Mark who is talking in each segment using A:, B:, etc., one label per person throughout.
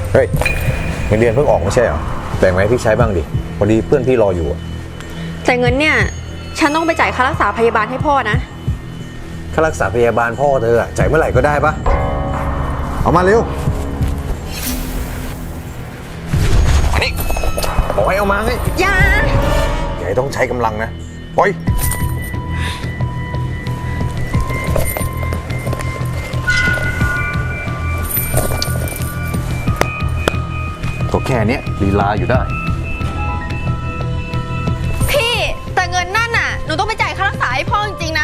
A: เฮ้ยเงินเดือนเพิ่งออกไม่ใช่เหรอแบ่งไว้ให้พี่ใช้บ้างดิพอดีเพื่อนพี่รออยู่อะ
B: แต่เงินเนี่ยฉันต้องไปจ่ายค่ารักษาพยาบาลให้พ่อนะ
A: ค่ารักษาพยาบาลพ่อเธออะจ่ายเมื่อไหร่ก็ได้ปะเอามาเร็วอันนี้บอกให้เอามาไง
B: อย่า
A: ให้ต้องใช้กำลังนะปล่อยก็แค่นี้ลีลาอยู่ได้
B: พี่แต่เงินนั่นน่ะหนูต้องไปจ่ายค่ารักษาให้พ่อจริงๆนะ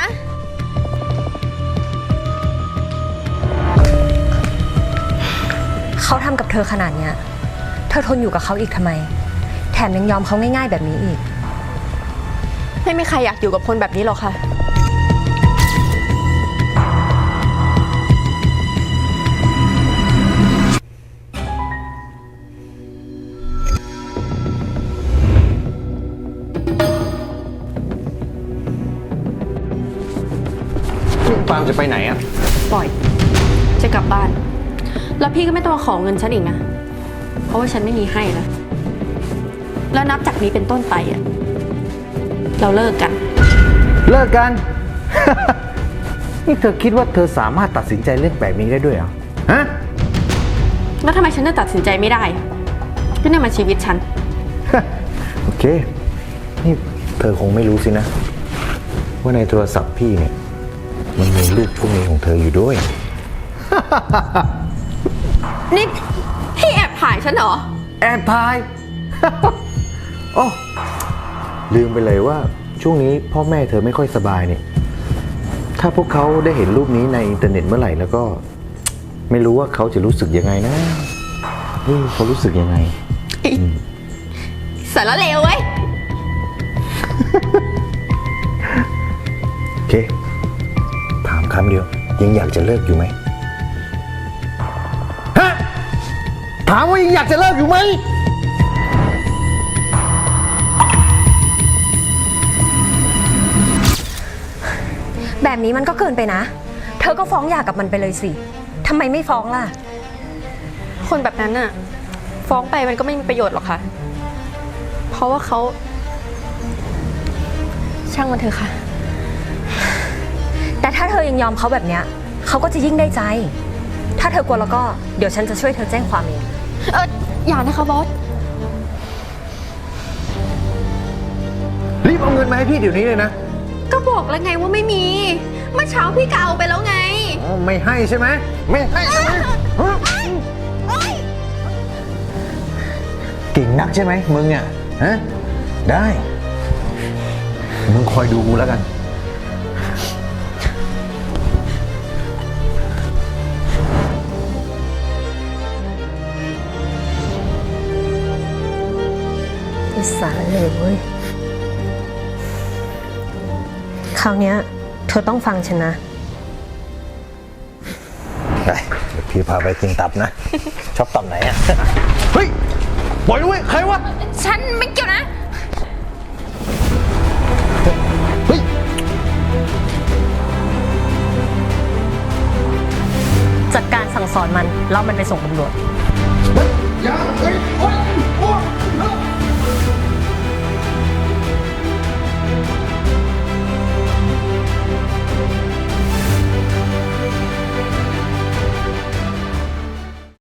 C: เขาทำกับเธอขนาดเนี้ยเธอทนอยู่กับเขาอีกทำไมแถมยังยอมเขาง่ายๆแบบนี้อีก
B: ไม่มีใครอยากอยู่กับคนแบบนี้หรอกค่ะ
A: ปาล์มจะไปไหนอะ
B: ปล่อยจะกลับบ้านแล้วพี่ก็ไม่ต้องมาขอเงินฉันอีกนะเพราะว่าฉันไม่มีให้นะแล้วนับจากนี้เป็นต้นไปอ่ะเราเลิกกัน
A: นี่เธอคิดว่าเธอสามารถตัดสินใจเรื่องแบบนี้ได้ด้วยเหรอฮะ
B: แล้วทำไมฉันจะตัดสินใจไม่ได้ก็นี่มันชีวิตฉัน
A: โอเคนี่เธอคงไม่รู้สินะว่าในโทรศัพท์พี่เนี่ยมันมีรูปพวกนี้ของเธออยู่ด้วย
B: นี่พี่แอบถ่ายฉันเหรอ
A: แอบถ่าย โอ้ลืมไปเลยว่าช่วงนี้พ่อแม่เธอไม่ค่อยสบายเนี่ยถ้าพวกเขาได้เห็นรูปนี้ในอินเทอร์เน็ตเมื่อไหร่แล้วก็ไม่รู้ว่าเขาจะรู้สึกยังไงนะเขารู้สึกยังไง
B: สารเลวเว้ย
A: โอเคถามคำเดียวยังอยากจะเลิกอยู่ไหมฮะถามว่ายังอยากจะเลิกอยู่ไหม
C: แบบนี้มันก็เกินไปนะเธอก็ฟ้องหย่ากับมันไปเลยสิทำไมไม่ฟ้องล่ะ
B: คนแบบนั้นน่ะฟ้องไปมันก็ไม่มีประโยชน์หรอกค่ะเพราะว่าเขาช่างมันเถอะค่ะ
C: แต่ถ้าเธอยังยอมเขาแบบเนี้ยเขาก็จะยิ่งได้ใจถ้าเธอกลัวแล้วก็เดี๋ยวฉันจะช่วยเธอแจ้งความเอง
B: อย่านะคะบอส
A: รีบเอาเงินมาให้พี่เดี๋ยวนี้เลยนะ
B: ก็บอกแล้วไงว่าไม่มีเมื่อเช้าพี่ก็เอาไปแล้วไง
A: ไม่ให้ใช่ไหมไม่ให้ใช่ไหมเก่งนักใช่ไหมมึงอ่ะฮะได้มึงคอยดูกูแล้วกัน
C: อิสระเลยเว้ยคราวนี้เธอต้องฟังฉันนะ
A: ได้เดี๋ยวพี่พาไปกินตับนะ ชอบตับไหนอ่ะเฮ้ยปล่อยด้วยใครวะ
B: ฉันไม่เกี่ยวนะ
A: เฮ้ย
C: จัดการสั่งสอนมันแล้วมันไปส่งตำรวจ
A: อย่าเฮ้ย